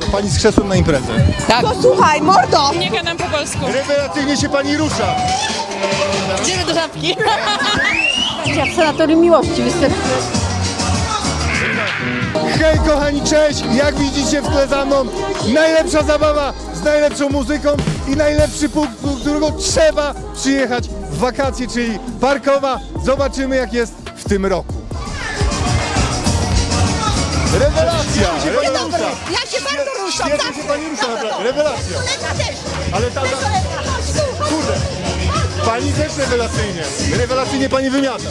Pani z krzesłem na imprezę. Tak. Posłuchaj, mordo! Nie gadam po polsku. Rewelacyjnie się pani rusza. Idziemy do Żabki. Ja w sanatorium miłości występuję. Hej kochani, cześć! Jak widzicie w tle za mną, najlepsza zabawa z najlepszą muzyką i najlepszy punkt, do którego trzeba przyjechać w wakacje, czyli Parkowa. Zobaczymy jak jest w tym roku. Rewelacja! Rewelacja! Ja się bardzo ruszam, Świetnie się pani rusza, naprawdę. Rewelacja! Ale ta... Kurde! Pani też rewelacyjnie! Rewelacyjnie pani wymiata!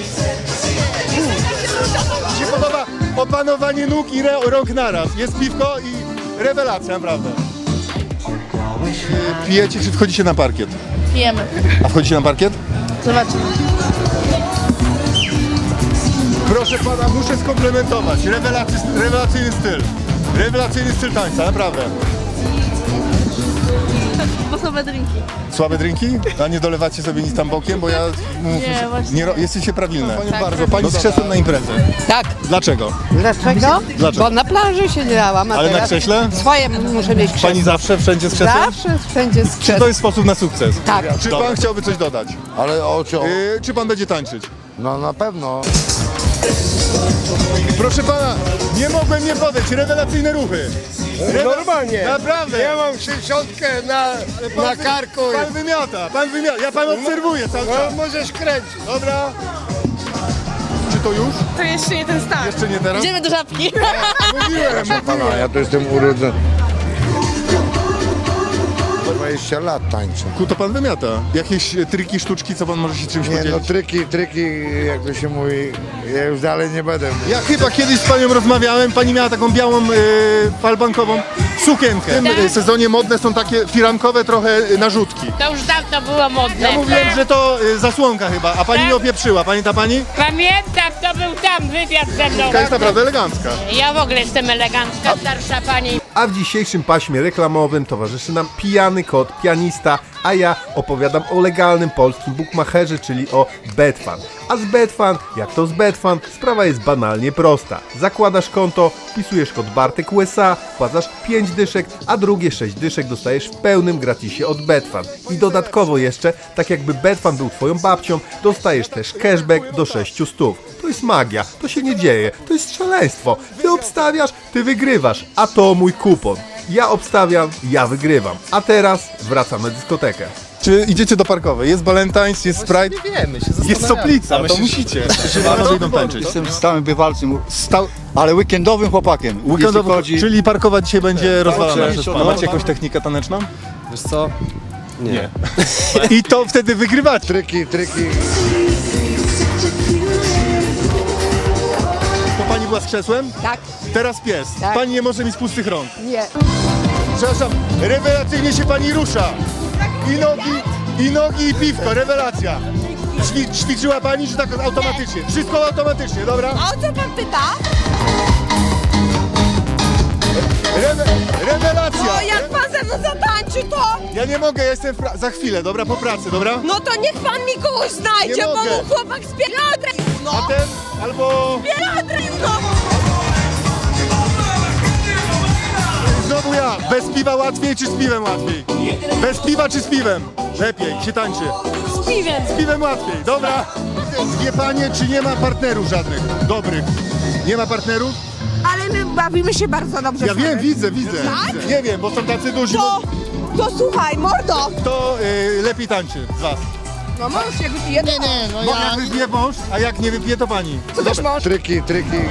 Mi się podoba opanowanie nóg i rąk naraz. Jest piwko i rewelacja, naprawdę. Pijecie czy wchodzicie na parkiet? Pijemy. A wchodzicie na parkiet? Zobaczymy. Proszę pana, muszę skomplementować. Rewelacyjny styl. Rewelacyjny styl tańca, naprawdę. Sposobe drinki. Słabe drinki? A nie dolewacie sobie nic tam bokiem, bo ja... Nie, właśnie. Jesteście prawilne. Panią Tak, bardzo. tak. Pani z krzesłem na imprezę. Tak. Dlaczego? Dlaczego? Dlaczego? Bo na plaży siedziałam, a Ale na teraz krześle? swoje muszę mieć krzesło. Pani zawsze, wszędzie z krzesłem? Zawsze, wszędzie z Czy to krzesłem. jest sposób na sukces? Tak. Czy pan chciałby coś dodać? Ale o co? Czy pan będzie tańczyć? No na pewno. Proszę pana, nie mogłem nie podejść. Rewelacyjne ruchy. Normalnie. Naprawdę. Ja mam 60 na karku. Pan wymiata. Ja pan obserwuję cały No, czas. możesz kręcić. Dobra. Czy to już? To jeszcze nie ten start. Jeszcze nie teraz? Idziemy do Żabki. Mówiłem. Pana, ja to jestem urodzony. 20 lat tańczę. To pan wymiata. Jakieś triki, sztuczki, co pan może się czymś Nie no, podzielić? triki, jak to się mówi, ja już dalej nie będę. Ja chyba kiedyś z panią rozmawiałem, pani miała taką białą, falbankową sukienkę. W tym sezonie modne są takie firankowe trochę narzutki. To już dawno było modne. Ja mówiłem, że to zasłonka chyba, a pani Tak? mnie opieprzyła. Pamięta pani? Pamiętam, to był tam wywiad ze mną. Taka jest naprawdę elegancka. Ja w ogóle jestem elegancka, starsza pani. A w dzisiejszym paśmie reklamowym towarzyszy nam pijany kot, pianista, a ja opowiadam o legalnym polskim bookmacherze, czyli o Betfan. A z Betfan, jak to z Betfan, sprawa jest banalnie prosta. Zakładasz konto, wpisujesz kod Bartek USA, wpłacasz 5 dyszek, a drugie 6 dyszek dostajesz w pełnym gratisie od Betfan. I dodatkowo jeszcze, tak jakby Betfan był twoją babcią, dostajesz też cashback do 600. To jest magia, to się nie dzieje, to jest szaleństwo. Ty obstawiasz, ty wygrywasz, a to mój kupon. Ja obstawiam, ja wygrywam. A teraz wracam na dyskotekę. Czy idziecie do Parkowej? Jest Valentine's, jest Sprite, jest Soplica, to musicie. Panowie idą tańczyć. Jestem stałym bywalcem, ale weekendowym chłopakiem. Jeśli chodzi... Czyli Parkowa dzisiaj będzie rozwalana Oczywiście, przez pana. no. Macie jakąś technikę taneczną? Wiesz co? Nie. I to wtedy wygrywacie. Triki. To pani była z krzesłem? Tak. Teraz pies. Tak. Pani nie może mieć pustych rąk. Nie. Przepraszam, rewelacyjnie się pani rusza. I nogi i piwko, rewelacja. Ćwiczyła pani, czy tak automatycznie? Wszystko automatycznie, dobra? A o co pan pyta? Rewelacja! O, jak pan ze mną zatańczy, to... Ja nie mogę, ja jestem za chwilę, dobra? Po pracy, dobra? No to niech pan mi kogoś znajdzie, Nie bo mogę. mu chłopak z Bielodry. No, A ten albo... Bielodry, no. Znowu ja. Bez piwa łatwiej czy z piwem łatwiej? Bez piwa czy z piwem? Lepiej się tańczy. Z piwem. Z piwem łatwiej, dobra? Wie panie, czy nie ma partnerów żadnych dobrych? Nie ma partnerów? Ale my bawimy się bardzo dobrze. Ja wiem, widzę. Tak? Nie wiem, bo są tacy duzi. To słuchaj, mordo. Kto lepiej tańczy z was? No mąż jak wypije, to... Bo jak wypije mąż, a jak nie wypije, to pani. Co też mąż? Triki.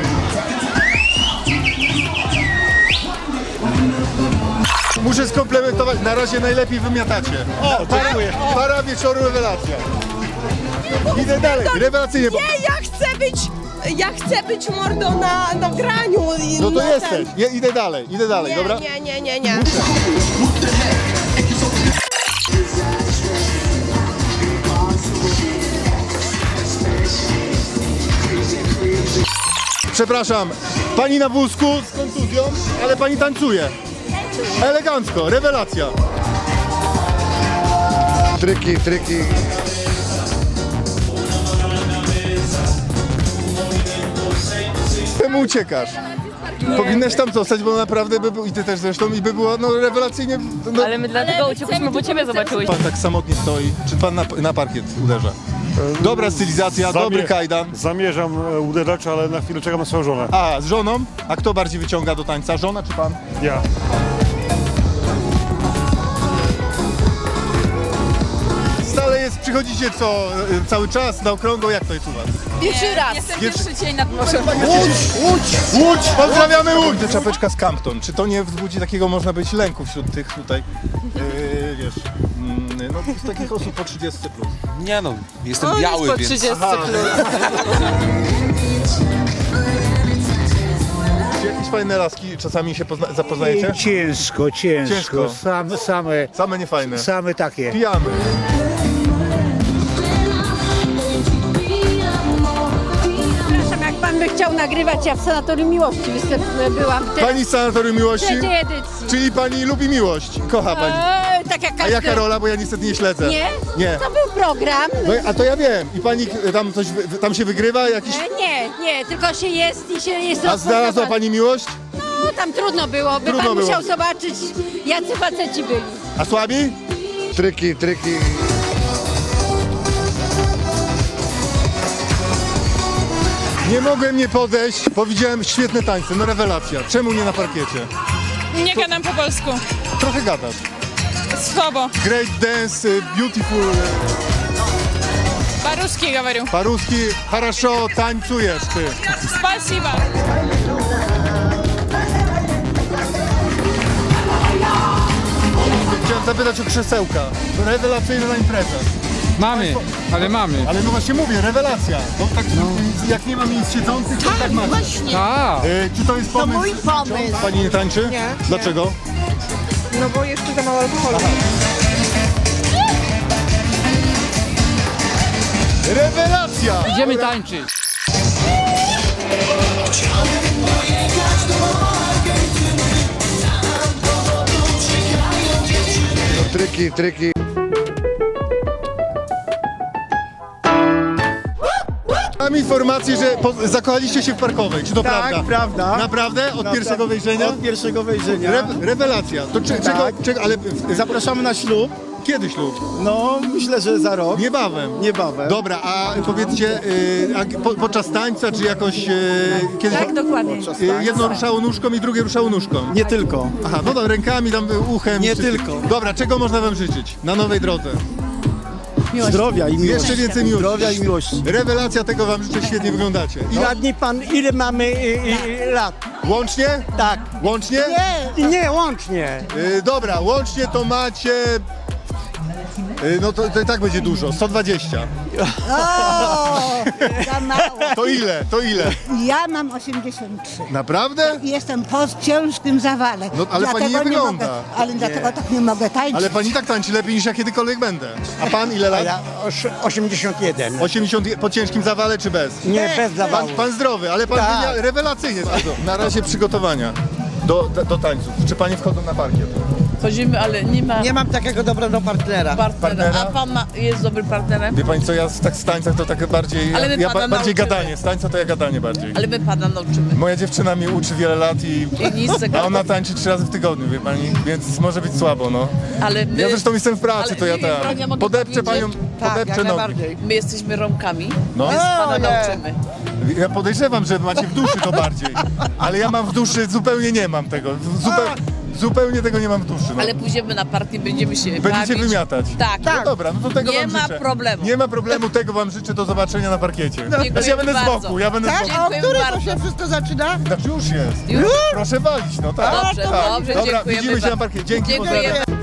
Muszę skomplementować, na razie najlepiej wymiatacie. O, para wieczoru, rewelacja. Idę dalej, rewelacyjnie. Nie, ja chcę być mordo na graniu. I No to na jesteś, idę dalej, Nie, dobra? Nie. Przepraszam, pani na wózku z kontuzją, ale pani tańcuje. Elegancko, rewelacja. Triki. Czemu uciekasz? Powinnaś tam zostać, bo naprawdę by było, i ty też zresztą, i by było no rewelacyjnie. No, Ale my dlatego uciekliśmy, bo ciebie zobaczyłyśmy. pan tak samotnie stoi, czy pan na parkiet uderza? Dobra stylizacja, dobry kajdan. Zamierzam uderzać, ale na chwilę czekam na swoją żonę. A, z żoną? A kto bardziej wyciąga do tańca, żona czy pan? Ja. Stale jest, przychodzicie cały czas na okrągło, jak to jest u was? Pierwszy raz. Jestem pierwszy dzień nad morzem. Łódź! Pozdrawiamy Łódź! Czapeczka z Campton, czy to nie wzbudzi takiego, można być, lęku wśród tych tutaj, wiesz, no z takich osób po 30 plus? Nie no, jestem biały, po więc... 30 Czy jakieś fajne laski czasami się zapoznajecie? Ciężko. Same niefajne. Same takie. Pijamy. Przepraszam, jak pan by chciał nagrywać, ja w Sanatorium Miłości byłam Pani z Sanatorium Miłości? trzeciej edycji. Czyli pani lubi miłość, kocha pani. Tak jak A każdy... jaka rola, bo ja niestety nie śledzę. Nie? Nie. To był program. No, a to ja wiem. I pani tam coś, tam się wygrywa jakiś... Nie, tylko się jest i się jest... A znalazła pani miłość? No, tam trudno było, by Trudno pan było. musiał zobaczyć, jacy faceci byli. A słabi? Tryki. Nie mogłem nie podejść, bo widziałem świetne tańce, no rewelacja. Czemu nie na parkiecie? Nie gadam po polsku. Trochę gadasz. Słabo. Great dance, beautiful, По-русски говорю. paruski, хорошо, tańcujesz ty. Спасибо. Chciałem zapytać o krzesełka. Rewelacyjna impreza. Mamy, ale mamy. Ale no właśnie mówię, rewelacja. No, tak, jak nie ma miejsc siedzących, to tak macie. Tak. Czy to jest pomysł? To mój pomysł. Pani nie tańczy? Nie. Dlaczego? No bo jeszcze za mało alkoholu. Rewelacja! Idziemy tańczyć. Tryki. Mam informację, że zakochaliście się w Parkowej. Czy to prawda? Tak, prawda. Naprawdę? Od pierwszego wejrzenia? Od pierwszego wejrzenia. Rewelacja. To czego, ale Zapraszamy na ślub. kiedy ślub? No, myślę, że za rok. Niebawem. Dobra, a powiedzcie, podczas tańca, czy jakoś kiedyś... Tak, dokładnie. Jedno ruszało nóżką i drugie ruszało nóżką. Nie tylko. Aha, no to rękami, tam uchem. Nie tylko. Dobra, czego można wam życzyć na nowej drodze? Zdrowia i miłości. Jeszcze więcej miłości. Zdrowia i miłości. Rewelacja, tego wam życzę, świetnie wyglądacie. Radni pan, ile mamy lat? Łącznie? Tak. Łącznie? Nie, łącznie. Dobra, łącznie to macie... No to i tak będzie dużo, 120. Za mało. To ile? Ja mam 83. Naprawdę? I jestem po ciężkim zawale. No, ale pani Dlatego nie wygląda. Ale dlatego tak nie mogę tańczyć. Ale pani tak tańczy lepiej niż ja kiedykolwiek będę. A pan ile lat? Ja 81. 80 po ciężkim zawale czy bez? Nie, bez zawału. Pan zdrowy, ale pan Tak. rewelacyjnie. Na razie przygotowania do tańców. Czy panie wchodzą na parkiet? Chodzimy, ale nie ma Nie mam takiego dobrego partnera. Partnera? A pan jest dobrym partnerem? Wie pani co, ja z tańcach to tak bardziej, Ale my ja pana bardziej nauczymy. gadanie, z tańca to ja gadanie bardziej. Ale my pana nauczymy. Moja dziewczyna mnie uczy wiele lat I nic z a tego. ona tańczy 3 razy w tygodniu, wie pani, więc może być słabo, no. Ale my, Ja zresztą jestem w pracy, Ale to ja nie wiem, Broń, ja tam mogę podepczę powiedzieć? panią, podepczę nogi. my jesteśmy Romkami, No. więc pana nauczymy. Ja podejrzewam, że macie w duszy to bardziej, ale ja mam w duszy, zupełnie nie mam tego, zupełnie tego nie mam w duszy. No. Ale pójdziemy na partię, będziemy się Będziecie bawić. wymiatać. Tak. No dobra, no to tego Nie wam ma życzę. problemu. Nie ma problemu, tego wam życzę, do zobaczenia na parkiecie. Dziękujemy Znaczy ja będę z bardzo. boku, ja będę z boku. Dziękujemy bardzo. wszystko zaczyna? Znaczy już jest. Już? Proszę walić, no tak. Dobrze, tak. dobrze, Dobra, dziękujemy widzimy się na bardzo. parkiecie. Dzięki, Dziękujemy. pozdrawiam.